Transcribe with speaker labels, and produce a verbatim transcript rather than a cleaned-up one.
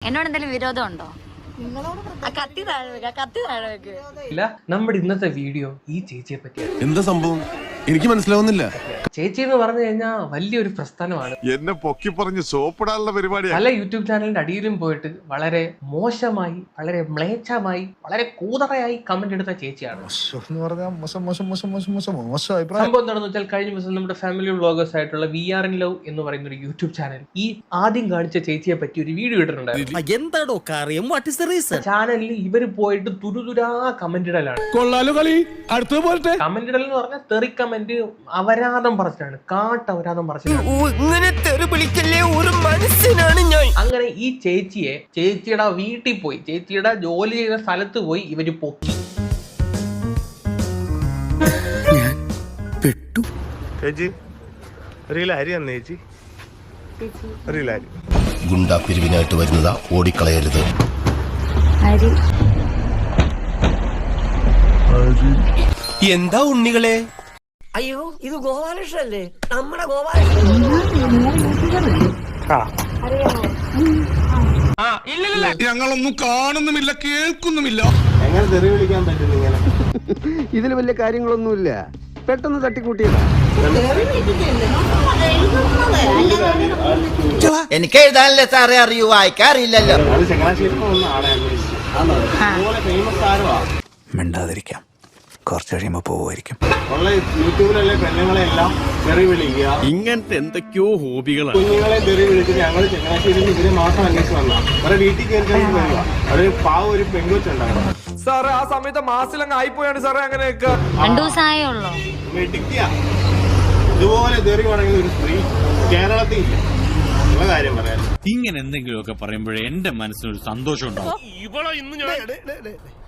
Speaker 1: എന്നോട് എന്തെങ്കിലും വിരോധം ഉണ്ടോ? കത്തി താഴെ വെക്ക, കത്തി താഴെ വെക്ക്.
Speaker 2: ഇല്ല, നമ്മുടെ ഇന്നത്തെ വീഡിയോ ഈ ചേച്ചിയെ പറ്റിയാണ്.
Speaker 3: എന്താ സംഭവം എനിക്ക് മനസ്സിലാവുന്നില്ല.
Speaker 2: ചേച്ചി എന്ന് പറഞ്ഞു കഴിഞ്ഞാൽ വലിയൊരു പ്രസ്ഥാനമാണ്.
Speaker 3: എന്നെ പൊക്കി പറഞ്ഞ് സോപ്പിടാനുള്ള പരിപാടി.
Speaker 2: പല യൂട്യൂബ് ചാനലിന്റെ അടിയിലും പോയിട്ട് വളരെ മോശമായി, വളരെ മ്ലേച്ഛമായി, വളരെ കൂതറയായി കമന്റ് എടുത്ത ചേച്ചിയാണ്. സംഭവം എന്താണെന്ന് വെച്ചാൽ കഴിഞ്ഞ ദിവസം നമ്മുടെ ഫാമിലി വ്ളോഗേഴ്സ് ആയിട്ടുള്ള വി ആർ ഇൻ ലവ് എന്ന് പറയുന്ന ഒരു യൂട്യൂബ് ചാനൽ ഈ ആദ്യം കാണിച്ച ചേച്ചിയെ പറ്റി ഒരു വീഡിയോ ഇട്ടിട്ടുണ്ടായിരുന്നു. ചാനലിൽ ഇവര് പോയിട്ട് തുരുതുരാ കമന്റ് ഇടലാണ്. കമന്റ് ഇടൽ എന്ന് പറഞ്ഞാൽ തെറി കമന്റ്, അപരാധം പറഞ്ഞിട്ടാണ്, കാട്ടപരാധം പറഞ്ഞിട്ടാണ്. അങ്ങനെ ഈ ചേച്ചിയെ ചേച്ചിയുടെ വീട്ടിൽ പോയി, ചേച്ചിയുടെ ജോലി ചെയ്യുന്ന സ്ഥലത്ത് പോയി ഇവര് പൊക്കി.
Speaker 4: ഗുണ്ടാ പിരിവിനായിട്ട് വരുന്നതാ, ഓടിക്കളയരുത്. എന്താ ഉണ്ണികളെ?
Speaker 5: അയ്യോ, ഇത് ഗോപാലകൃഷ്ണല്ലേ, നമ്മുടെ ഗോപാലകൃഷ്ണൻ.
Speaker 3: ഞങ്ങളൊന്നും കാണുന്നുമില്ല, കേൾക്കുന്നുമില്ല.
Speaker 6: എങ്ങനെ തെറി വിളിക്കാൻ പറ്റും? ഇങ്ങനെ ഇതിൽ വലിയ കാര്യങ്ങളൊന്നുമില്ല, പെട്ടെന്ന് തട്ടിക്കൂട്ടിയതാ.
Speaker 5: എനിക്ക് എഴുതാനല്ലേ സാറേ അറിയൂ, വായിക്കാറില്ലല്ലോ.
Speaker 6: അത് ചങ്ങനാശ്ശേരി ആളെ അതുപോലെ ഫേമസ് ആരുവാ.
Speaker 7: മിണ്ടാതിരിക്കാം, കുറച്ച് കഴിയുമ്പോ പോവുമായിരിക്കും.
Speaker 6: ഉള്ള യൂട്യൂബിലല്ലേ പെണ്ണുങ്ങളെ എല്ലാം തെറി വിളിക്കുക.
Speaker 3: ഇങ്ങനത്തെ എന്തൊക്കെയോ ഹോബികളാണ്.
Speaker 6: കുഞ്ഞുങ്ങളെ തെറി വിളിച്ചിട്ട് ഞങ്ങൾ ചങ്ങനാശ്ശേരിയിൽ ഇവരെ മാത്രം അന്വേഷിച്ച് വന്നാ അവരെ വീട്ടിൽ കയറി വരിക. ഒരു പാവ ഒരു പെൺകൊച്ചുണ്ടായിരുന്നു
Speaker 8: സാറേ. ആ സമയത്ത് മാസിലങ്ങ് ആയിപ്പോയാണ് സാറേ. അങ്ങനെയൊക്കെ
Speaker 1: രണ്ടു ദിവസമായേ ഉള്ളൂ.
Speaker 6: വെട്ടിക്കുക. ഇതുപോലെ തെറി പറയുന്ന ഒരു സ്ത്രീ കേരളത്തിൽ ഇല്ല. ഉള്ള കാര്യം പറയാൻ
Speaker 9: ഇങ്ങനെ എന്തെങ്കിലുമൊക്കെ പറയുമ്പോഴേ എന്റെ മനസ്സിനൊരു സന്തോഷം ഉണ്ടാവും.